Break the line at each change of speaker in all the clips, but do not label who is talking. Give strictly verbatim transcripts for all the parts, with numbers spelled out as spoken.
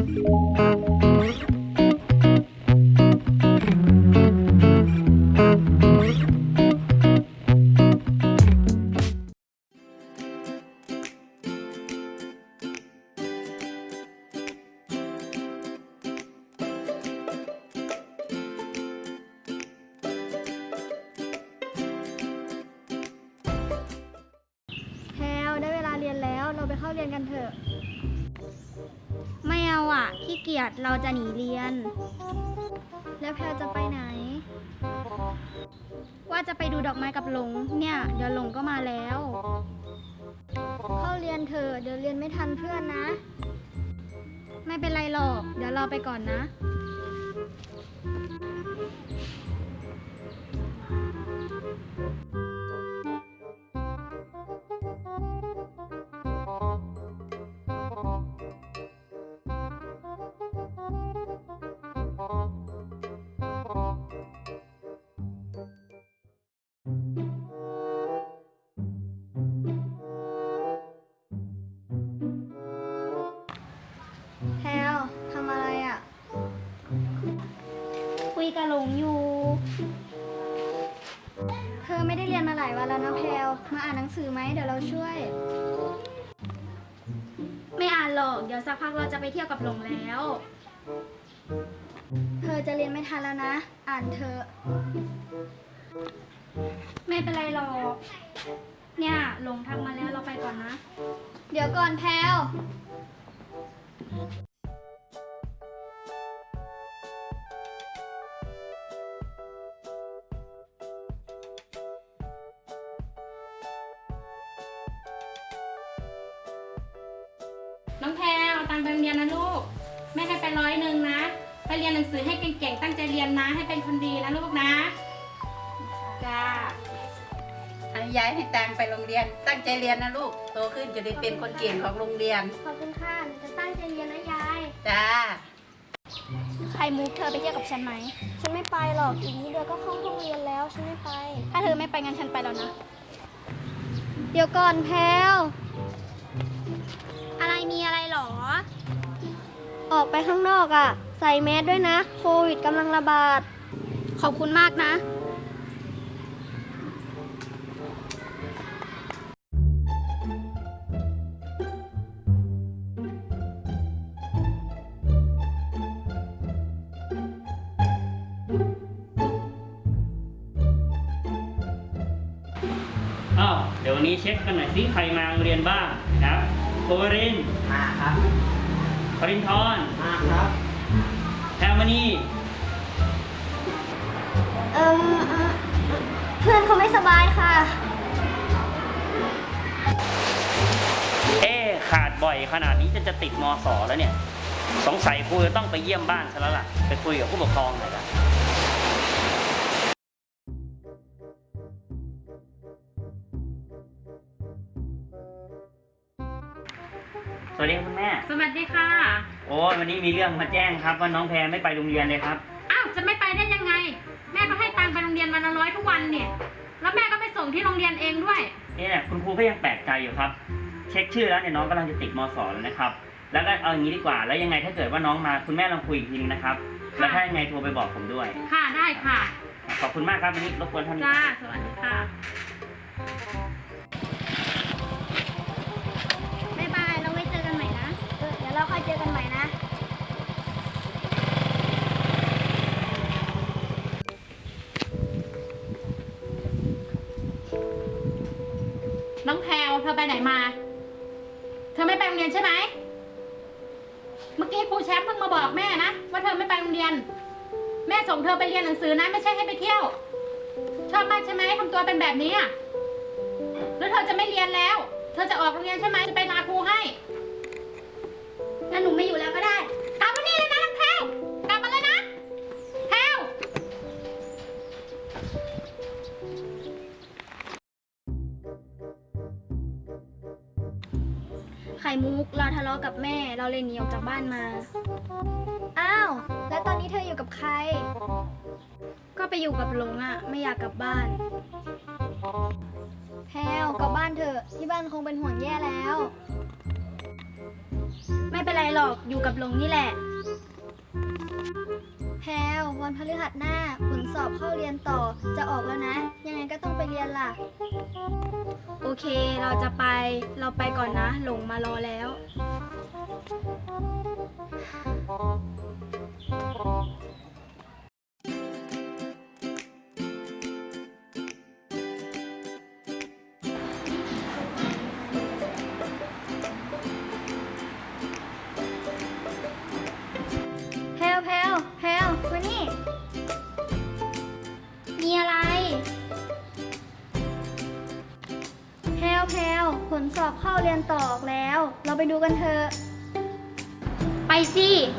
เราไปเข้าเรียนกันเถอะ
ไม่เอาอ่ะขี้เกียจเราจะหนีเรียน
แล้วแพรจะไปไหน
ว่าจะไปดูดอกไม้กับหลงเนี่ยเดี๋ยวหลงก็มาแล้ว
เข้าเรียนเถอะเดี๋ยวเรียนไม่ทันเพื่อนนะ
ไม่เป็นไรหรอกเดี๋ยวเราไปก่อนนะ
แพรวทำอะไรอ่ะ
คุยกับหลงอยู่
เธอไม่ได้เรียนมาหลายวันแล้วนะแพรวมาอ่านหนังสือไหมเดี๋ยวเราช่วย
ไม่อ่านหรอกเดี๋ยวสักพักเราจะไปเที่ยวกับหลงแล้ว
เธอจะเรียนไม่ทันแล้วนะอ่านเถอะ
ไม่เป็นไรหรอกเนี่ยหลงทักมาแล้วเราไปก่อนนะ
เดี๋ยวก่อนแพรว
น้องแพรเอาตังค์ไปโรงเรียนนะลูกแม่ให้ไปร้อยหนึ่งนะไปเรียนหนังสือให้เก่งๆตั้งใจเรียนนะให้เป็นคนดีนะลูกนะจ้า
ให้ยายให้ตังค์ไปโรงเรียนตั้งใจเรียนนะลูกโตขึ้นจะได้เป็นคนเก่งของโรงเรียน
ขอบคุณค่ะจะตั้งใจเรียนนะยาย
จ้า
ใครมุกเธอไปเที่ยวกับฉันไหม
ฉันไม่ไปหรอกอีกนิดเดียวก็เข้าห้องเรียนแล้วฉันไม่ไป
ถ้าเธอไม่ไปงั้นฉันไปแล้วนะ
เดี๋ยวก่อนแพรว
อะไรมีอะไรหรอ
ออกไปข้างนอกอ่ะใส่แมสด้วยนะโควิดกำลังระบาด
ขอบคุณมากนะ
อ้าวเดี๋ยววันนี้เช็คกันหน่อยสิใครมาโรงเรียนบ้างครับโคริน
มาครับ
ปรินทร์
มาครับ
แพรมณี
เอ่อเพื่อนเขาไม่สบายค่ะ
เอ๊ขาดบ่อยขนาดนี้จะจะติดม.ส.แล้วเนี่ยสงสัยครูจะต้องไปเยี่ยมบ้านซะแล้วล่ะไปคุยกับผู้ปกครองหน่อยละสวัสดีคุณแม่
สวัสดีค่ะ
โอ้วันนี้มีเรื่องมาแจ้งครับว่าน้องแพรไม่ไปโรงเรียนเลยครับ
อ้าวจะไม่ไปได้ยังไงแม่ก็ให้ตังค์ไปโรงเรียนวันละร้อยทุกวันเนี่ยแล้วแม่ก็ไปส่งที่โรงเรียนเองด้วย
เนี่ยคุณครูก็ยังแปลกใจอยู่ครับเช็คชื่อแล้วเนี่ยน้องกำลังจะติดม.ส.แล้วนะครับแล้วก็เอาอย่างนี้ดีกว่าแล้วยังไงถ้าเกิดว่าน้องมาคุณแม่ลองคุยอีกทีนึงนะครับแล้วถ้ายังไงโทรไปบอกผมด้วย
ค่ะได้ค่ะ
ขอบคุณมากครับวันนี้รบกวนท่าน
จ้าสวัสดีค่ะ
บ๊ายบายเราไว้เจอกันใหม่นะ
เออเดี๋ยวเราค่อยเจอกันใหม่นะ
น้องแพรวเธอไปไหนมาเธอไม่ไปโรงเรียนใช่ไหมเมื่อกี้ครูแชมป์เพิ่งมาบอกแม่นะว่าเธอไม่ไปโรงเรียนแม่ส่งเธอไปเรียนหนังสือนะไม่ใช่ให้ไปเที่ยวชอบมากใช่ไหมทำตัวเป็นแบบนี้อ่ะแล้วเธอจะไม่เรียนแล้วเธอจะออกโรงเรียนใช่ไหมจะไปลาครูให้
งั้นหนูไม่อยู่แล้วก็ได้
กลับมานี่เลยนะน้องแพรวกลับมาเลยนะแพรว
ไข่มุกเราทะเลาะกับแม่เราเลยหนีออกจากบ้านมา
อ้าวแล้วตอนนี้เธออยู่กับใคร
ก็ไปอยู่กับหลงอ่ะไม่อยากกลับบ้าน
แพรวกลับบ้านเถอะที่บ้านคงเป็นห่วงแย่แล้ว
ไม่เป็นไรหรอกอยู่กับหลงนี่แหละ
แพลววันพฤหัสหน้าผลสอบเข้าเรียนต่อจะออกแล้วนะ ยังไงก็ต้องไปเรียนล่ะ
โอเคเราจะไปเราไปก่อนนะ หลงมารอแล้ว
แพลวแพลวแพลวมานี่
มีอะไร
แพลวแพลวผลสอบเข้าเรียนต่อออกแล้ว เราไปดูกันเถอะ
ไปสิ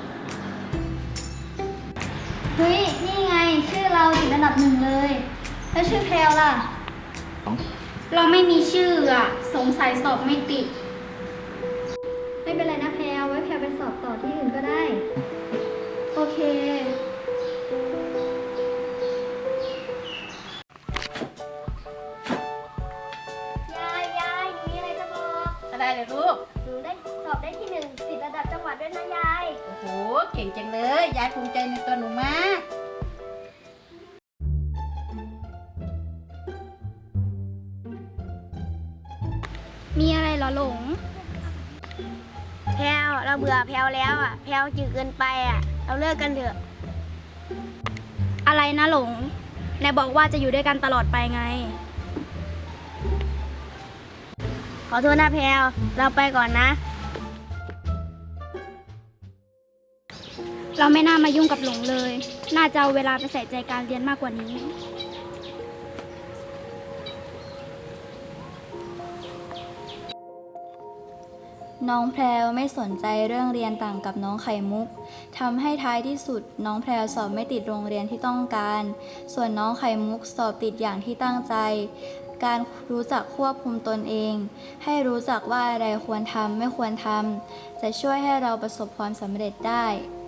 เฮ้ย นี่ไงชื่อเราติดอันดับหนึ่งเลย แล้วชื่อแพลวล่ะ
เราไม่มีชื่ออะสงสัยสอบไม่ติด
ไม่เป็นไรนะแพลวไว้แพลวไปสอบต่อที่อื่นก็ได้
โอเค
ยายยายหนูมีอะไรจะบอก
อะไรเลยลูก
หนูได้สอบได้ที่หนึ่งติดระดับจังหวัดด้วยนะยาย
โอ้โห เก่งจังเลย ยายภูมิใจในตัวหนูมาก
มีอะไรเหรอหลง
แพลวเราเบื่อแพลวแล้วอ่ะ แพลวจืดเกินไปอ่ะ เราเลิกกันเถอะ
อะไรนะหลงไหนบอกว่าจะอยู่ด้วยกันตลอดไปไง
ขอโทษนะแพลวเราไปก่อนนะ
เราไม่น่ามายุ่งกับหลงเลย น่าจะเอาเวลาไปใส่ใจการเรียนมากกว่านี้
น้องแพรวไม่สนใจเรื่องเรียนต่างกับน้องไข่มุกทำให้ท้ายที่สุดน้องแพรวสอบไม่ติดโรงเรียนที่ต้องการ ส่วนน้องไข่มุกสอบติดอย่างที่ตั้งใจ การรู้จักควบคุมตนเอง ให้รู้จักว่าอะไรควรทำไม่ควรทำจะช่วยให้เราประสบความสำเร็จได้